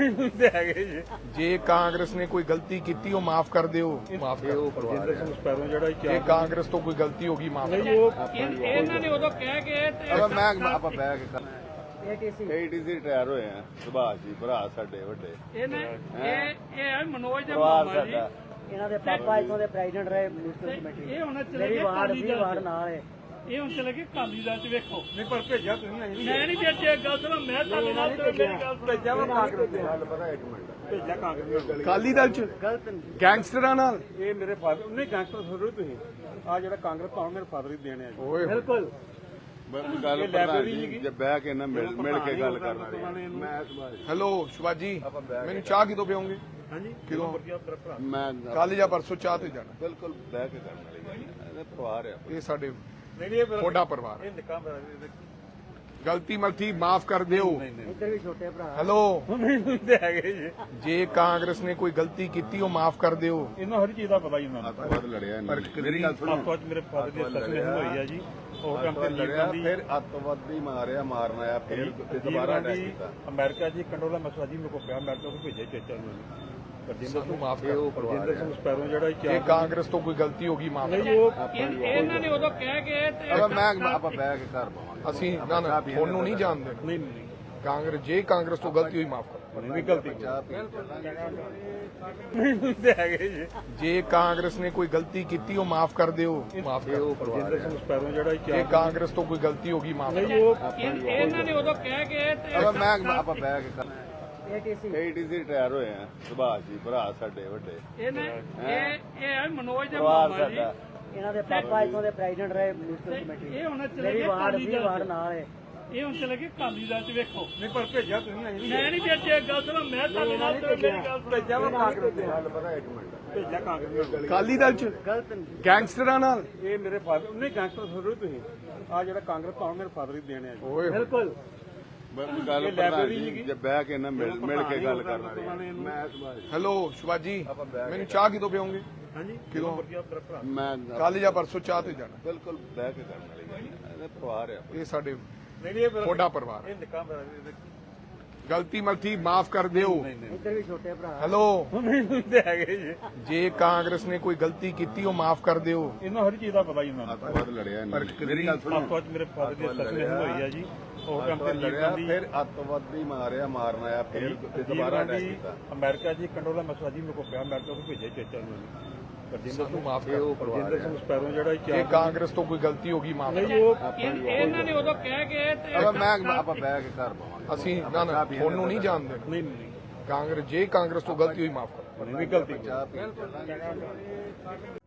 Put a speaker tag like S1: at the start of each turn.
S1: ਹੁੰਦੇ ਹੈਗੇ ਜੀ।
S2: ਜੇ ਕਾਂਗਰਸ ਨੇ ਕੋਈ ਗਲਤੀ ਕੀਤੀ ਉਹ ਮਾਫ ਕਰ ਦਿਓ, ਮਾਫ
S1: ਇਹ ਉਹ ਪ੍ਰਜਿੰਦਰ ਸਿੰਘ ਸਪੈਰੋ ਜਿਹੜਾ
S2: ਜੇ ਕਾਂਗਰਸ ਤੋਂ ਕੋਈ ਗਲਤੀ ਹੋ ਗਈ ਮਾਫ
S1: ਨਹੀਂ ਉਹ
S3: ਇਹਨਾਂ ਨੇ ਉਦੋਂ ਕਹਿ ਕੇ ਤੇ
S4: ਮੈਂ ਆਪਾਂ ਬਹਿ ਕੇ ਏਟੀਸੀ ਰਿਟਾਇਰ ਹੋਏ ਆ ਸੁਭਾਸ਼ ਜੀ ਭਰਾ ਸਾਡੇ ਵੱਡੇ
S3: ਇਹਨੇ ਇਹ ਮਨੋਜ ਦਾ
S4: ਪਰਿਵਾਰ
S3: ਮਾਮਾ ਜੀ।
S4: ਸਾਡਾ
S5: ਇਹਨਾਂ ਦੇ ਪਾਪਾ ਇੱਥੋਂ ਦੇ ਪ੍ਰੈਜ਼ੀਡੈਂਟ ਰਹੇ ਮਿਊਨਿਸਪਲ ਕਮੇਟੀ
S3: ਇਹ ਹੁਣ ਚਲੇ
S5: ਮੇਰੀ
S3: ਗਏ
S5: ਵਾਰਡ
S3: ਅਕਾਲੀ
S5: ਵੀ
S3: ਦਲ
S5: ਵਾਰਡ
S3: ਚ।
S5: ਨਾਲ ਹੈ।
S3: ਇਹ ਹੁਣ ਚਲੇ ਗਏ ਅਕਾਲੀ ਦਲ ਚ। ਵੇਖੋ
S1: ਨਹੀਂ ਪਰ ਭੇਜਿਆ ਤੁਸੀਂ ਆਈ
S3: ਮੈਂ ਨਹੀਂ ਭੇਜਿਆ, ਗੱਲ ਸੁਣੋ, ਮੈਂ ਤੁਹਾਡੇ ਨਾਲ ਤੇ ਮੇਰੀ ਗੱਲ ਸੁਣੋ।
S1: ਭੇਜਿਆ ਵਾ ਕਾਂਗਰਸ ਦੇ
S4: ਗੱਲ ਪਤਾ ਇੱਕ ਮਿੰਟ
S1: ਭੇਜਿਆ ਕਾਂਗਰਸ ਦੇ
S2: ਅਕਾਲੀ ਦਲ ਚ
S5: ਗਲਤ
S2: ਗੈਂਗਸਟਰਾਂ ਨਾਲ
S1: ਇਹ ਮੇਰੇ ਫਾਦਰ ਨਹੀਂ ਗੈਂਗਸਟਰ ਥੋੜੀ ਤੁਸੀਂ ਆ ਜਿਹੜਾ ਕਾਂਗਰਸ ਪਾਉਣ ਮੇਰੇ ਫਾਦਰ ਹੀ ਦੇਣੇ ਆ ਜੀ।
S2: ਓਏ
S5: ਬਿਲਕੁਲ
S4: ਗੱਲ
S1: ਇਹ
S4: ਪ੍ਰਧਾਨ
S1: ਲਾਇਬ੍ਰੇਰੀ
S4: ਜੀ
S1: ਸੀਗੀ।
S4: ਜੇ ਬਹਿ ਕੇ ਨਾ ਮਿਲ ਕੇ ਗੱਲ ਕਰਨਾ
S1: ਵਾਲੇ ਨੂੰ।
S4: ਮੈਂ ਸੁਭਾਸ਼ ਜੀ
S2: ਹੈਲੋ ਸ਼ਿਵਾਜੀ, ਮੈਨੂੰ ਚਾਹ ਕਿਦੋਂ ਪਿਓਗੇ?
S1: ਹਾਂਜੀ
S2: ਕਿਦੋਂ?
S1: ਵਧੀਆ ਤੇਰਾ ਭਰਾ
S4: ਮੈਂ
S2: ਕੱਲ ਜਾਂ ਪਰਸੋਂ ਚਾਹ ਤੇ ਜਾਣਾ।
S4: ਬਿਲਕੁਲ ਬਹਿ ਕੇ ਕਰਨ ਵਾਲੀ ਗੱਲ ਹੈ ਇਹਦਾ ਪਰਿਵਾਰ ਆ
S2: ਇਹ ਸਾਡੇ
S1: ਨਹੀਂ ਇਹ ਮੇਰਾ
S2: ਤੁਹਾਡਾ ਪਰਿਵਾਰ ਹੈ।
S1: ਇਹ ਨਿੱਕਾ ਮੇਰਾ
S2: ਗਲਤੀ ਮਲਤੀ ਮਾਫ ਕਰ ਦਿਓ।
S5: ਇੱਧਰ ਵੀ ਛੋਟੇ ਭਰਾ
S2: ਹੈਲੋ,
S1: ਨਹੀਂ ਹੁੰਦੇ ਹੈਗੇ ਜੀ।
S2: ਜੇ ਕਾਂਗਰਸ ਨੇ ਕੋਈ ਗਲਤੀ ਕੀਤੀ ਉਹ ਮਾਫ ਕਰ ਦਿਓ।
S1: ਇਹਨਾਂ ਹਰ ਚੀਜ਼ ਦਾ ਪਤਾ ਹੀ ਉਹਨਾਂ ਨੂੰ।
S4: ਅੱਤਵਾਦ ਲੜਿਆ ਇਹਨਾਂ ਨੇ। ਮੇਰੀ ਗੱਲ ਸੁਣੋ
S1: ਆਪਸ ਮੇਰੇ ਫਾਦਰ ਦੀ ਸਸਪੈਂਡ ਹੋਈ ਆ ਜੀ। ਉਹ ਕੰਮ ਤੇ
S4: ਲੜਿਆ
S1: ਲੀਡਰ
S4: ਫਿਰ ਅੱਤਵਾਦੀ ਮਾਰਨ ਆਇਆ ਫਿਰ ਦੁਬਾਰਾ ਅਟੈਕ ਕੀਤਾ
S1: ਅਮਰੀਕਾ ਜੀ ਕੰਡੋਲਾ ਮਸਲਾ ਜੀ ਮੇਰੇ ਕੋਲ ਪਿਆ, ਅਮਰੀਕਾ ਤੋਂ ਭੇਜਿਆ ਚੇਚਾ ਨੂੰ ਪ੍ਰਜਿੰਦਰ
S2: ਸਾਨੂੰ ਮਾਫ
S4: ਇਹ
S2: ਕਰ
S4: ਉਹ ਪਰਿਵਾਰ
S1: ਪ੍ਰਜਿੰਦਰ ਸਿੰਘ ਸਪੈਰੋ ਜਿਹੜਾ
S2: ਜੇ ਕਾਂਗਰਸ ਤੋਂ ਕੋਈ ਗਲਤੀ ਹੋ ਗਈ ਮਾਫ
S1: ਨਹੀਂ ਉਹ
S3: ਇਹਨਾਂ ਨੇ ਉਦੋਂ ਕਹਿ ਕੇ ਤੇ
S4: ਮੈਂ ਆਪਾਂ ਬਹਿ ਕੇ ਘਰ ਪਾਵਾਂਗੇ
S2: ਅਸੀਂ ਨਾ ਨਾ ਤੁਹਾਨੂੰ ਨਹੀਂ ਜਾਣਦੇ।
S1: ਨਹੀਂ ਨਹੀਂ
S2: ਕਾਂਗਰਸ ਜੇ ਕਾਂਗਰਸ ਤੋਂ ਗਲਤੀ ਹੋਈ ਮਾਫ ਕਰ।
S1: ਨਹੀਂ ਗਲਤੀ
S4: ਚਾਹ ਪੀ ਚੱਲਾਂਗੇ
S1: ਨਹੀਂ ਹੁੰਦੇ ਹੈਗੇ ਜੀ।
S2: ਜੇ ਕਾਂਗਰਸ ਨੇ ਕੋਈ ਗਲਤੀ ਕੀਤੀ ਉਹ ਮਾਫ ਕਰ ਦਿਓ, ਮਾਫ
S4: ਇਹ ਉਹ ਪਰਿਵਾਰ
S1: ਪ੍ਰਜਿੰਦਰ ਸਿੰਘ ਸਪੈਰੋ ਜਿਹੜਾ
S2: ਜੇ ਕਾਂਗਰਸ ਤੋਂ ਕੋਈ ਗਲਤੀ ਹੋ ਗਈ ਮਾਫ
S1: ਨਹੀਂ ਉਹ
S3: ਇਹਨਾਂ ਨੇ ਉਦੋਂ ਕਹਿ ਕੇ ਤੇ
S4: ਮੈਂ ਆਪਾਂ ਬਹਿ ਕੇ
S5: ਏਟੀਸੀ
S4: ਏਟੀਸੀ ਰਿਟਾਇਰ ਹੋਏ ਆ ਸੁਭਾਸ਼ ਜੀ ਭਰਾ ਸਾਡੇ ਵੱਡੇ
S3: ਇਹਨੇ ਇਹ ਮਨੋਜ ਦਾ
S4: ਪਰਿਵਾਰ
S3: ਮਾਮਾ ਜੀ।
S4: ਸਾਡਾ
S5: ਇਹਨਾਂ ਦੇ ਪਾਪਾ ਇੱਥੋਂ ਦੇ ਪ੍ਰੈਜ਼ੀਡੈਂਟ ਰਹੇ ਮਿਊਨਿਸਪਲ ਕਮੇਟੀ
S3: ਇਹ ਹੁਣ ਚਲੇ
S5: ਮੇਰੀ
S3: ਗਏ
S5: ਵਾਰਡ
S3: ਅਕਾਲੀ
S5: ਵੀ
S3: ਦਲ
S5: ਵਾਰਡ
S3: ਚ।
S5: ਨਾਲ ਹੈ।
S3: ਇਹ ਹੁਣ ਚਲੇ ਗਏ ਅਕਾਲੀ ਦਲ ਚ। ਵੇਖੋ
S1: ਨਹੀਂ ਪਰ ਭੇਜਿਆ ਤੁਸੀਂ ਆਈ
S3: ਮੈਂ ਨਹੀਂ ਭੇਜਿਆ, ਗੱਲ ਸੁਣੋ, ਮੈਂ ਤੁਹਾਡੇ ਨਾਲ ਤੇ ਮੇਰੀ ਗੱਲ ਸੁਣੋ।
S1: ਭੇਜਿਆ ਵਾ ਕਾਂਗਰਸ ਦੇ
S4: ਗੱਲ ਪਤਾ ਇੱਕ ਮਿੰਟ
S1: ਭੇਜਿਆ ਕਾਂਗਰਸ ਦੇ
S2: ਅਕਾਲੀ ਦਲ ਚ
S5: ਗਲਤ
S2: ਗੈਂਗਸਟਰਾਂ ਨਾਲ
S1: ਇਹ ਮੇਰੇ ਫਾਦਰ ਨਹੀਂ ਗੈਂਗਸਟਰ ਥੋੜੀ ਤੁਸੀਂ ਆ ਜਿਹੜਾ ਕਾਂਗਰਸ ਪਾਉਣ ਮੇਰੇ ਫਾਦਰ ਹੀ ਦੇਣੇ ਆ ਜੀ।
S2: ਓਏ
S5: ਬਿਲਕੁਲ
S4: ਗੱਲ
S1: ਇਹ
S4: ਪ੍ਰਧਾਨ
S1: ਲਾਇਬ੍ਰੇਰੀ
S4: ਜੀ
S1: ਸੀਗੀ।
S4: ਜੇ ਬਹਿ ਕੇ ਨਾ ਮਿਲ ਕੇ ਗੱਲ ਕਰਨਾ
S1: ਵਾਲੇ ਨੂੰ।
S4: ਮੈਂ ਸੁਭਾਸ਼ ਜੀ
S2: ਹੈਲੋ ਸ਼ਿਵਾਜੀ, ਮੈਨੂੰ ਚਾਹ ਕਿਦੋਂ ਪਿਓਗੇ?
S1: ਹਾਂਜੀ
S2: ਕਿਦੋਂ?
S1: ਵਧੀਆ ਤੇਰਾ ਭਰਾ
S4: ਮੈਂ
S2: ਕੱਲ ਜਾਂ ਪਰਸੋਂ ਚਾਹ ਤੇ ਜਾਣਾ।
S4: ਬਿਲਕੁਲ ਬਹਿ ਕੇ ਕਰਨ ਵਾਲੀ ਗੱਲ ਹੈ ਇਹਦਾ ਪਰਿਵਾਰ ਆ
S2: ਇਹ ਸਾਡੇ
S1: ਨਹੀਂ ਇਹ ਮੇਰਾ
S2: ਤੁਹਾਡਾ ਪਰਿਵਾਰ ਹੈ।
S1: ਇਹ ਨਿੱਕਾ ਮੇਰਾ
S2: ਗਲਤੀ ਮਲਤੀ ਮਾਫ ਕਰ ਦਿਓ।
S5: ਇੱਧਰ ਵੀ ਛੋਟੇ ਭਰਾ
S2: ਹੈਲੋ,
S1: ਨਹੀਂ ਹੁੰਦੇ ਹੈਗੇ ਜੀ।
S2: ਜੇ ਕਾਂਗਰਸ ਨੇ ਕੋਈ ਗਲਤੀ ਕੀਤੀ ਉਹ ਮਾਫ ਕਰ ਦਿਓ।
S1: ਇਹਨਾਂ ਹਰ ਚੀਜ਼ ਦਾ ਪਤਾ ਹੀ ਉਹਨਾਂ ਨੂੰ।
S4: ਅੱਤਵਾਦ ਲੜਿਆ ਇਹਨਾਂ ਨੇ। ਮੇਰੀ ਗੱਲ ਸੁਣੋ
S1: ਆਪਸ ਮੇਰੇ ਫਾਦਰ ਦੀ ਸਸਪੈਂਡ ਹੋਈ ਆ ਜੀ। ਉਹ ਕੰਮ ਤੇ
S4: ਲੜਿਆ
S1: ਲੀਡਰ
S4: ਫਿਰ ਅੱਤਵਾਦੀ ਮਾਰਨ ਆਇਆ ਫਿਰ ਦੁਬਾਰਾ ਅਟੈਕ ਕੀਤਾ
S1: ਅਮਰੀਕਾ ਜੀ ਕੰਡੋਲਾ ਮਸਲਾ ਜੀ ਮੇਰੇ ਕੋਲ ਪਿਆ, ਅਮਰੀਕਾ ਤੋਂ ਭੇਜਿਆ ਚੇਚਾ ਨੂੰ ਪ੍ਰਜਿੰਦਰ
S2: ਸਾਨੂੰ ਮਾਫ
S4: ਇਹ
S2: ਕਰ।
S4: ਉਹ ਪਰਿਵਾਰ
S1: ਪ੍ਰਜਿੰਦਰ ਸਿੰਘ ਸਪੈਰੋ ਜਿਹੜਾ
S2: ਜੇ ਕਾਂਗਰਸ ਤੋਂ ਕੋਈ ਗਲਤੀ ਹੋ ਗਈ ਮਾਫ ਕਰ।
S1: ਨਹੀਂ ਉਹ
S3: ਇਹਨਾਂ ਨੇ ਉਦੋਂ ਕਹਿ ਕੇ ਤੇ
S4: ਮੈਂ ਆਪਾਂ ਬਹਿ ਕੇ ਘਰ ਪਾਵਾਂਗੇ
S2: ਅਸੀਂ ਨਾ ਨਾ ਤੁਹਾਨੂੰ ਨਹੀਂ ਜਾਣਦੇ।
S1: ਨਹੀਂ ਨਹੀਂ
S2: ਕਾਂਗਰਸ ਜੇ ਕਾਂਗਰਸ ਤੋਂ ਗਲਤੀ ਹੋਈ ਮਾਫ ਕਰ।
S1: ਨਹੀਂ ਗਲਤੀ
S4: ਚਾਹ ਪੀ ਚੱਲਾਂਗੇ